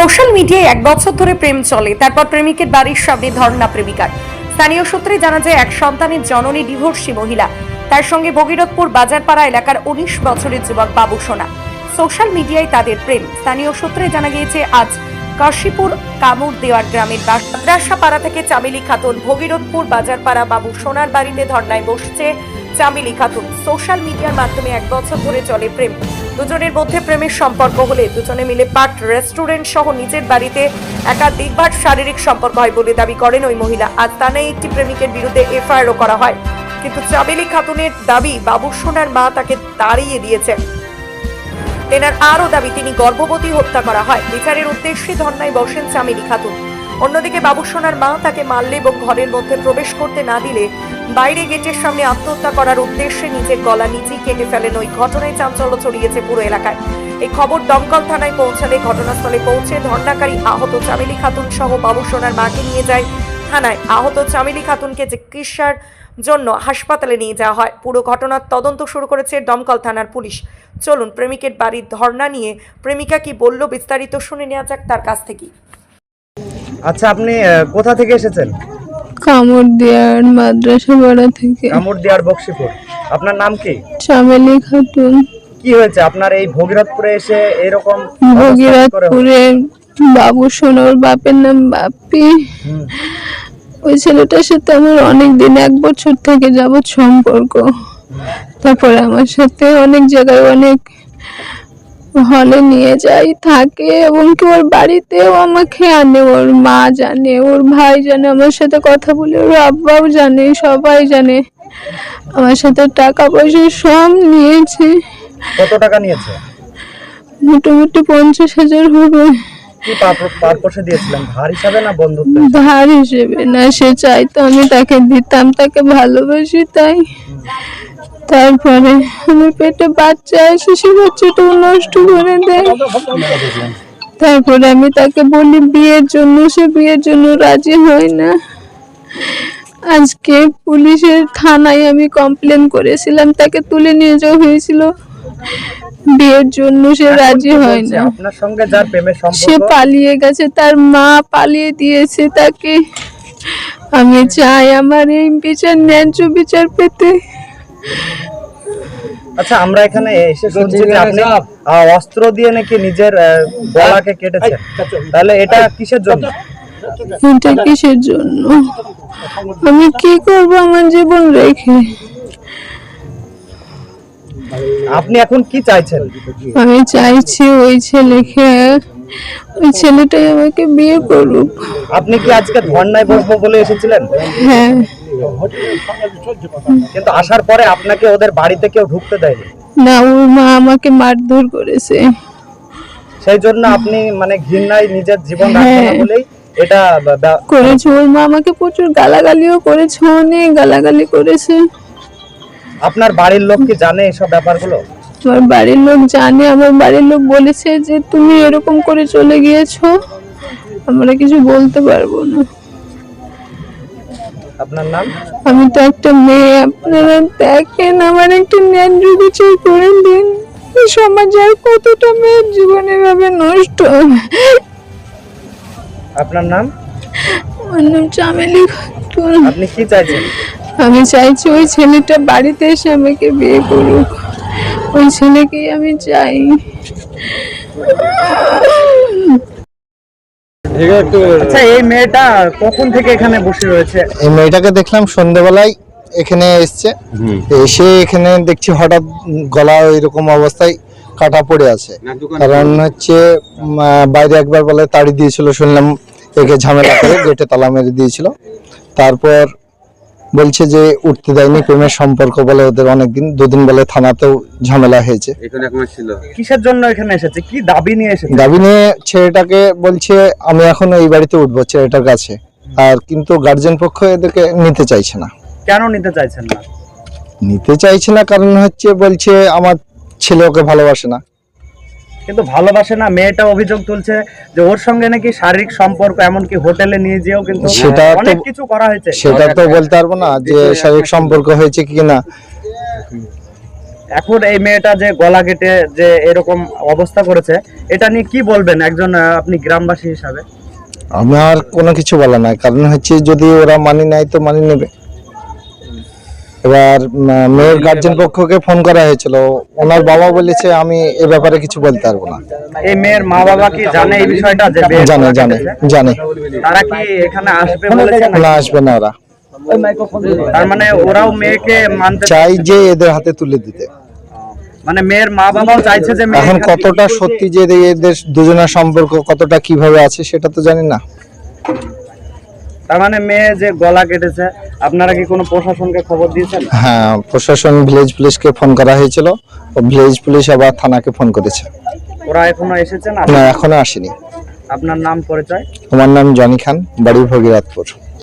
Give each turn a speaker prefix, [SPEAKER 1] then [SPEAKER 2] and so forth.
[SPEAKER 1] Social মিডিয়ায় 1 বছর ধরে প্রেম চলে, তারপর প্রেমিকের বাড়ির সামনে ধর্ণা প্রেমিকার। স্থানীয় সূত্রে জানা যায়, এক সন্তানের জননী ডিভোর্সি মহিলা, তার সঙ্গে ভগীরথপুর বাজারপাড়া এলাকার 19 বছরের যুবক বাবু সোনা। সোশ্যাল মিডিয়ায় তাদের প্রেম। স্থানীয় সূত্রে জানা গিয়েছে, আজ কাশীপুর কামুর দেওয়ার গ্রামের মাদ্রাসাপাড়া থেকে চামেলি খাতুন ভগীরথপুর বাজারপাড়া বাবু সোনার বাড়িতে ধর্ণায় বসছে চামেলি খাতুন। সোশ্যাল মিডিয়ার মাধ্যমে 1 বছর ধরে চলে প্রেম। দুজনের মধ্যে প্রেমের সম্পর্ক হলে দুজনে মিলে পার্ক, রেস্টুরেন্ট সহ নিজের বাড়িতে একাধিকবার শারীরিক সম্পর্ক হয় বলে দাবি করেন ওই মহিলা। আজ থানায় একটি প্রেমিকের বিরুদ্ধে এফআইআরও করা হয়, কিন্তু চামেলি খাতুনের দাবি বাবু সোনার মা তাকে তাড়িয়ে দিয়েছে। তেনার আরও দাবি, তিনি গর্ভবতী হত্যা করা হয়। বিচারের উদ্দেশ্যে ধর্নায় বসেন চামেলি খাতুন। অন্যদিকে বাবু সোনার মা তাকে মারলে এবং ঘরের মধ্যে প্রবেশ করতে না দিলে বাইরে গেটের সামনে আত্মহত্যা করার উদ্দেশ্যে নিজের গলা নিজেই কেটে ফেলেন। ওই ঘটনায় চাঞ্চল্য ছড়িয়েছে পুরো এলাকায়। এই খবর দমকল থানায় পৌঁছালে ঘটনাস্থলে পৌঁছে ধর্নাকারী আহত চামেলি খাতুন সহ বাবু সোনার মাকে নিয়ে যায় থানায়। আহত চামেলি খাতুনকে চিকিৎসার জন্য হাসপাতালে নিয়ে যাওয়া হয়। পুরো ঘটনার তদন্ত শুরু করেছে দমকল থানার পুলিশ। চলুন প্রেমিকের বাড়ির ধর্ণা নিয়ে প্রেমিকা কি বলল বিস্তারিত শুনে নেওয়া যাক তার কাছ থেকে।
[SPEAKER 2] আচ্ছা, আপনি কোথা থেকে এসেছেন?
[SPEAKER 3] কামড়দিয়ার মাদ্রাসাপাড়া থেকে।
[SPEAKER 2] কামড়দিয়ার বক্সিপুর। আপনার নাম কি?
[SPEAKER 3] চামেলি খাতুন।
[SPEAKER 2] কি হয়েছে আপনার এই ভগীরথপুরে এসে এরকম?
[SPEAKER 3] ভগীরথপুরে বাবু সোনার বাপের নাম বাপি। ওই ছেলেটার সাথে আমার অনেক দিন, 1 বছর থেকে যাবত সম্পর্ক। তারপরে আমার সাথে অনেক জায়গায়, অনেক হলে নিয়ে যাই, থাকে এবং কি ওর বাড়িতেও আমাকে আনে। ওর মা জানে, ওর ভাই জানে, আমার সাথে কথা বলে, ওর আব্বাও জানে, সবাই জানে। আমার সাথে টাকা পয়সা সব নিয়েছে।
[SPEAKER 2] কত টাকা নিয়েছে?
[SPEAKER 3] মোটামুটি 50,000 হবে।
[SPEAKER 2] কি পারপোসে দিয়েছিলেন? ধার হিসাবে না বন্ধুত্ব?
[SPEAKER 3] ধার হিসেবে না, সে চাইতো আমি তাকে দিতাম, তাকে ভালোবাসি তাই। তারপরে আমার পেটে বাচ্চা আসে, সে বাচ্চাটাও নষ্ট করে দেয়। তারপরে আমি তাকে বলি বিয়ের জন্য, সে বিয়ের জন্য রাজি হয় না। আজকে পুলিশের থানায় আমি কমপ্লেন করেছিলাম, তাকে তুলে নিয়ে যাওয়া হয়েছিল বিয়ের জন্য, সে রাজি হয় না।
[SPEAKER 2] আপনার সঙ্গে যার প্রেমের সম্পর্ক,
[SPEAKER 3] সে পালিয়ে গেছে, তার মা পালিয়ে দিয়েছে তাকে। আমি চাই আমার এই বিচার, ন্যায্য বিচার পেতে।
[SPEAKER 2] আচ্ছা, আমরা এখানে এসে শুনছি যে আপনি অস্ত্র দিয়ে নাকি নিজের গলাকে কেটেছেন, তাহলে এটা কিসের জন্য?
[SPEAKER 3] এটা কিসের জন্য? আমি কি করব আমার জীবন রেখে?
[SPEAKER 2] আপনি এখন কি চাইছেন?
[SPEAKER 3] আমি চাইছি ওই ছেলেকে, ওই ছেলেটাই আমাকে বিয়ে করুক।
[SPEAKER 2] আপনি কি আজকে ধর্নায় বসবো বলে এসেছিলেন?
[SPEAKER 3] হ্যাঁ।
[SPEAKER 2] কিন্তু আসার পরে আপনাকে ওদের বাড়িতে কেউ ঢুকতে দেয়নি?
[SPEAKER 3] না, ওর মা আমাকে মারধর করেছে।
[SPEAKER 2] সেই জন্য আপনি মানে ঘৃণায় নিজের জীবন রাখবেন না বলেই এটা
[SPEAKER 3] করেছে। ওর মা আমাকে প্রচুর গালাগালিও করেছে, অনেক গালাগালি করেছে।
[SPEAKER 2] আপনার বাড়ির লোক কি জানে এসব ব্যাপারগুলো?
[SPEAKER 3] আমার বাড়ির লোক জানে। আমার বাড়ির লোক বলেছে যে তুমি এরকম করে চলে গিয়েছো, আমরা কিছু বলতে পারবো না।
[SPEAKER 2] আপনার নাম?
[SPEAKER 3] আমি তো একটা মেয়ে, আপনারা দেখেন আমার একটা ন্যায্য বিচার করে দিন। সমাজে আর কতটা মেয়ের জীবন এভাবে নষ্ট।
[SPEAKER 2] আপনার নাম?
[SPEAKER 3] আমার নাম চামেলি খাতুন।
[SPEAKER 2] আপনি কি চাইছেন?
[SPEAKER 3] আমি চাইছি ওই ছেলেটা বাড়িতে এসে আমাকে বিয়ে করুক, ওই ছেলেকেই আমি চাই।
[SPEAKER 2] আচ্ছা, এই মেয়েটা কখন থেকে এখানে বসে রয়েছে?
[SPEAKER 4] এই মেয়েটাকে দেখলাম সন্ধ্যাবেলায় এখানে এসছে, এসে এখানে দেখছি হঠাৎ গলা এরকম অবস্থায় কাটা পড়ে আছে। কারণ হচ্ছে বাইরে একবার বলে তাড়ি দিয়েছিল, শুনলাম একে ঝামেলা করে গেটে তালা মেরে দিয়েছিল। তারপর বলছে যে উঠতে দেয়নি, প্রেমের সম্পর্ক বলে ওদের অনেকদিন, 2 দিন বলে থানাতেও ঝামেলা হয়েছে।
[SPEAKER 2] কিসের জন্য এখানে এসেছে? কি দাবি নিয়ে এসেছে?
[SPEAKER 4] দাবি নিয়ে ছেলেটাকে বলছে আমি এখন এই বাড়িতে উঠবো ছেলেটার কাছে, আর কিন্তু গার্জেন পক্ষ এদেরকে নিতে চাইছে না।
[SPEAKER 2] কেন নিতে চাইছেন না?
[SPEAKER 4] নিতে চাইছে না কারণ হচ্ছে বলছে আমার ছেলে ওকে ভালোবাসে না।
[SPEAKER 2] কিন্তু ভালোবাসে না, মেয়েটা অভিযোগ তুলছে যে ওর সঙ্গে নাকি শারীরিক সম্পর্ক, এমনকি হোটেলে নিয়ে যেও কিন্তু অনেক কিছু করা হয়েছে।
[SPEAKER 4] সেটা তো বলতে পারবো না যে শারীরিক সম্পর্ক হয়েছে কি না।
[SPEAKER 2] এখন এই মেয়েটা যে গলা কেটে যে এরকম অবস্থা করেছে, এটা নিয়ে কি বলবেন একজন আপনি গ্রামবাসী হিসাবে?
[SPEAKER 4] আমার কোনো কিছু বলা নাই, কারণ হচ্ছে যদি ওরা মানি নেয় তো মানি নেবে। এবার মেয়ের গার্জেন পক্ষকে ফোন করা হয়েছিল, ওনার বাবা বলেছে আমি এ ব্যাপারে কিছু বলতে পারবো না।
[SPEAKER 2] এই মেয়ের মা বাবা কি জানে এই বিষয়টা? যে মেয়ে
[SPEAKER 4] জানে
[SPEAKER 2] গলা
[SPEAKER 4] জানে
[SPEAKER 2] কেটেছে?
[SPEAKER 4] জানে।
[SPEAKER 2] তারা কি এখানে আসবে বলেছে?
[SPEAKER 4] না, আসবে না ওরা।
[SPEAKER 2] তার মানে ওরাও মেয়েকে মানতে
[SPEAKER 4] চাই যে এদের হাতে তুলে দিতে।
[SPEAKER 2] মানে মেয়ের মা বাবাও চাইছে যে মেয়ে
[SPEAKER 4] এখন কতটা সত্যি যে এদের দুজনের সম্পর্ক কতটা কিভাবে আছে সেটা তো জানি না।
[SPEAKER 2] তার মানে মেয়ে যে গলা কেটেছে, আপনারা কি কোনো প্রশাসনকে খবর দিয়েছেন?
[SPEAKER 4] হ্যাঁ, প্রশাসন ভিলেজ পুলিশকে ফোন করা হয়েছিল, ও ভিলেজ পুলিশ আবার থানাকে ফোন করেছে।
[SPEAKER 2] ওরা এখনো এসেছে না?
[SPEAKER 4] না, এখনো আসেনি।
[SPEAKER 2] আপনার নাম পরিচয়?
[SPEAKER 4] আমার নাম জনি খান, বাড়ি ভগীরথপুর।